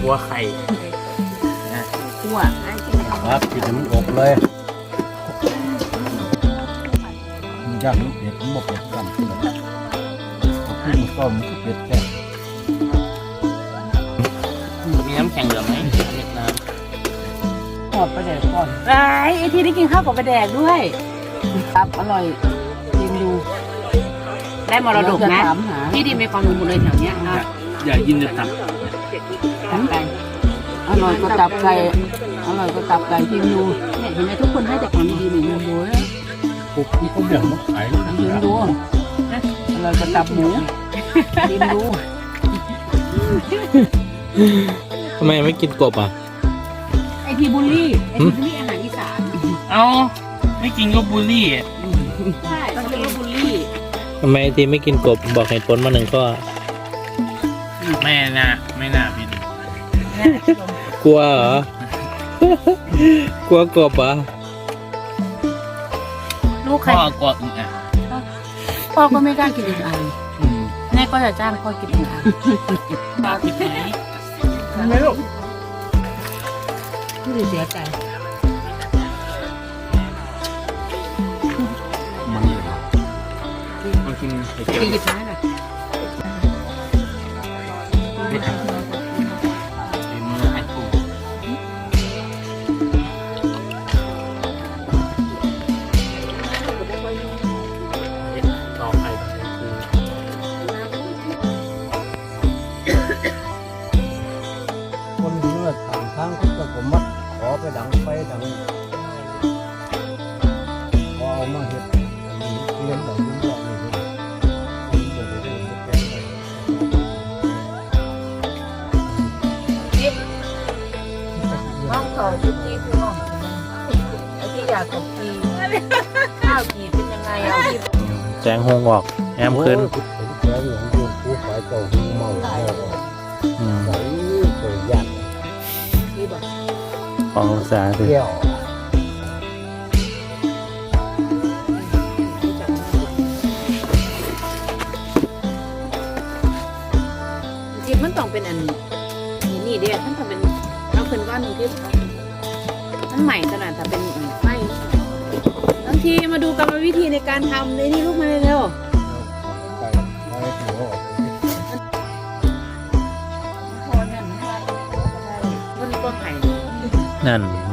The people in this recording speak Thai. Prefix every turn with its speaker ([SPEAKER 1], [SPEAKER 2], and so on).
[SPEAKER 1] วไข่
[SPEAKER 2] คั่ว
[SPEAKER 3] ครับกินมันอบเลยมันย่างมันเผ็ดมันบ่เผ็ดกันขึ้นมันก็มันเผ็ดแค่
[SPEAKER 1] มีน้ำแข็งเหลือไหมเล็กน้
[SPEAKER 2] หอดปลาแดกก่อนไอ้ที่ได้กินข้าวกับปลาแดกด้วยครับอร่อยชิมดูได้มรดกนะที่ดินมีความรู้หมดเลยแถวเนี้ยนะ
[SPEAKER 1] ำอย่ายินจะตับ
[SPEAKER 2] ตับไก่อร่อยก็ตับไก่อร่อยก็ตับไก่ชิมดูเนี่ยเห็นไหมทุกคนให้แต่ของดีๆหนึ่งดูนะ
[SPEAKER 3] ปุ๊บที่เขาเบี่ยงมาขายนะ
[SPEAKER 2] ชิมดูอร่อยก็ตับหมูชิมดู
[SPEAKER 4] ทำไมไม่กินกบอ่ะ
[SPEAKER 2] ไอทีบูลลี่ไอทีบูลลี่อาหารอีสาน
[SPEAKER 1] เอาไม่กินก็บูลลี่
[SPEAKER 2] ใช่ต้องเรียกว่าบูลลี่
[SPEAKER 4] ทำไมทีไม่กินกบบอกเหตุผลมาหนึ่งข้อ
[SPEAKER 1] ไม่น่าบิน
[SPEAKER 4] กลัวเหรอ กลัวกบเหรอ
[SPEAKER 2] ลูกใคร
[SPEAKER 1] พ่อกลัวอึ่งอ่ะ
[SPEAKER 2] พ่อก็ไม่กล้ากินอีกอันแม่ก็จะจ้างพ่อกินอีกอัน
[SPEAKER 1] ปลาพิษไหม
[SPEAKER 2] ไม่ลูกพี่เสียใจ
[SPEAKER 3] มันเลย
[SPEAKER 1] มากินไข่เจียว
[SPEAKER 2] ตีหยิบไม้หน่อย
[SPEAKER 1] ในมือไอ้ปู ต่อไข่คือ
[SPEAKER 3] คนเนื้อทางทางเขาจะผมมัดขอไปดังไฟดังพอเอามาเห็ดเลี้ยงแบบนี้แบบนี้
[SPEAKER 2] ห้องต่อชุดนี้คือห้องไอ้ที่อยากกับกีข้าวกีเป็นยังไงเอาที่
[SPEAKER 4] แสงหงออกแอมขึ้น
[SPEAKER 3] ผมแก่หลวงยูนผู้ขายเจ้าเมาแล้ว
[SPEAKER 4] อืม
[SPEAKER 3] ใส่เปิดยัน
[SPEAKER 2] ที่บอก
[SPEAKER 4] ขององศาสิ
[SPEAKER 3] แก้ว
[SPEAKER 2] จริงมันต้องเป็นอันนี่เดียวท่านทำเป็นเราเป็นว่าหนึ่งที่มันใหม่ขนาดแต่เป็นไฟบางทีมาดูกรรมวิธีในการทำเลยนี่ลูกมาเร็ว
[SPEAKER 3] ไปไปหัว
[SPEAKER 2] ต้นไผ่
[SPEAKER 4] นั่น